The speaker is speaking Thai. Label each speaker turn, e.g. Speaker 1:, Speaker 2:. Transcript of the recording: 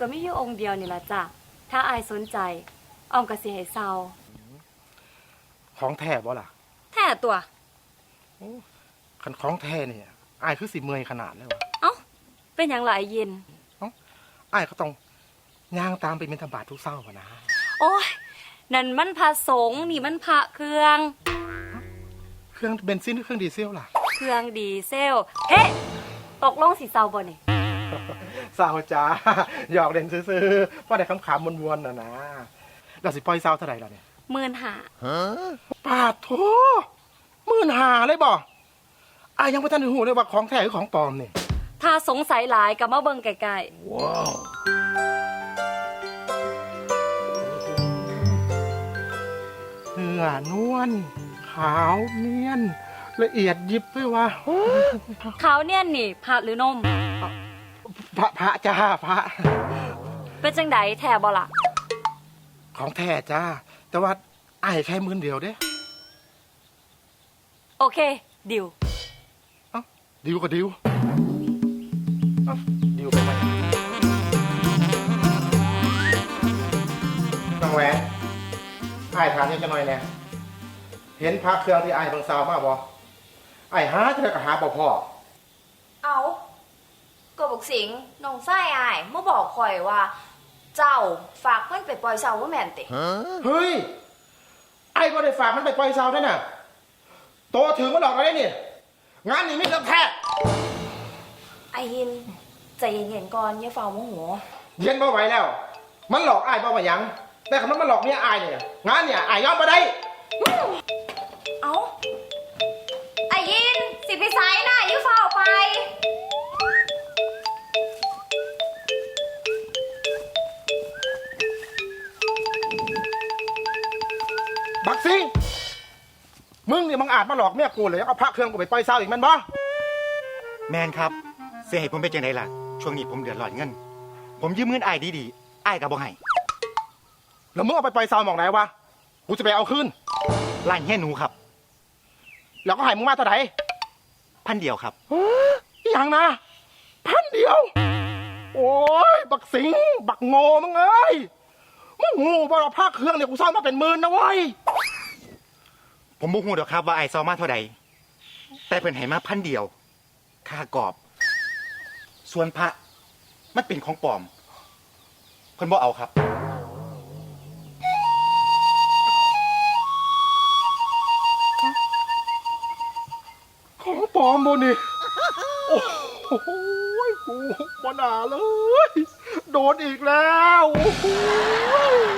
Speaker 1: ก็มีอยู่องค์เดียวนี่ล่ะจ้ะถ้าอายสนใจอ้อมก็สิให้เซา
Speaker 2: ของแท้บ่ล่ะ
Speaker 1: แท้ตัว
Speaker 2: คันของแท้เนี่ยอ้ายคือสิเมื่อยขนาดเลยวะ
Speaker 1: เอ้าเป็นหยังล่ะไอ้ยิน
Speaker 2: อ้ายก็ต้องย่างตามไปบิณฑบาตทุกเช้านะ
Speaker 1: โอ้ยนั่นมันพระสงฆ์นี่มันพระเครื่อง
Speaker 2: เบนซินหรือเครื่องดีเซลล่ะ
Speaker 1: เครื่องดีเซลเฮ้ตกลงสิเซาบ่นี่
Speaker 2: เศร้าจ้าหยอกเล่นซื่อๆเพราะได้คำขำมวนๆนะเราสิปล่อยเศร้าเท่าไหร่ล่ะเนี่ย15,000ปาดโถ15,000เลยบ่อ้ายยังไม่ทันหูเลยว่าของแท้หรือของปลอมเนี่ย
Speaker 1: ถ้าสงสัยหลายก็มาเบิ่งใกล้ๆว้าว
Speaker 2: เนื้อนวลขาวเนียนละเอียดยิบด้วยวะ
Speaker 1: ขาวเนียนนี่ผักหรือนม
Speaker 2: พระจ้าพระ
Speaker 1: เป็นจังไดแท้บ่ล่ะ
Speaker 2: ของแท้จ้าแต่ว่าอ้ายแค่10,000เดียวเด้
Speaker 1: โอเคดิว
Speaker 2: ดิวก็ดิวดิวไปไหมน้องแหวนอ้ายถามยังจะหน่อยแน่เห็นพระเครื่องที่อ้ายเบิ่งซาวมาบ่อ้ายหาเท่าก็หาบ่พอ
Speaker 3: เอาก็บอกสิงน้องไส้อายเมื่อบอกคอยว่า เจ้าฝากเพื่อนไปปล่อยเสาว่าแม่นติ
Speaker 2: เฮ้ยไอ้ก็ได้ฝากมันไปปล่อยเสาด้วยน่ะโตถึงมาหลอกเราได้เนี่ยงานนี้ไม่เลิกแท้
Speaker 3: ไอหินใจเย็นๆก่อนอย่าเฝ้าโมโห
Speaker 2: เย็นบ่ไหวแล้วมันหลอกไอ้บ่มายังแต่คำนั้นมันหลอกเนี่ยไอ้เนี่ยงานเนี่ยไอ้ยอมมาได้
Speaker 3: เอาไอหินสิไปไซน่ะอย่าเฝ้าไป
Speaker 2: บักซิงมึงเนี่ยมึงอาจมาหลอกเมียกูเลยเอาพระเครื่องกูไปปล่อยเสาอีกมันบ่
Speaker 4: แมนครับเสียให้ผมเป็นจังไดล่ะช่วงนี้ผมเดือดร้อนเงินผมยืมเงินอ้ายดีๆอ้ายก็บ่ให้
Speaker 2: แล้วมึงเอาไปปล่อยเสาหมองไหนวะกูจะไปเอาคืน
Speaker 4: ร้านแห่หนูครับ
Speaker 2: แล้วก็ให้มึงมาเท่าไหร่
Speaker 4: 1,000ครับ
Speaker 2: อย่างนะ1,000โอ้ยบักสิงบักโง่มึงเอ้ยมึงงูบ่เอาพระเครื่องเนี่ยกูซ่อนมาเป็น10,000นะเว้ย
Speaker 4: ผมบ่ฮู้ดอกครับว่าอ้ายเซามาเท่าใดแต่เพิ่นให้มา1,000ค่ากอบส่วนพระมันเป็นของปลอมเพิ่นบ่เอาครับ
Speaker 2: ของปลอมบ่นี่โอ้โหกูบ่น่าเลยโดนอีกแล้วโอ้โห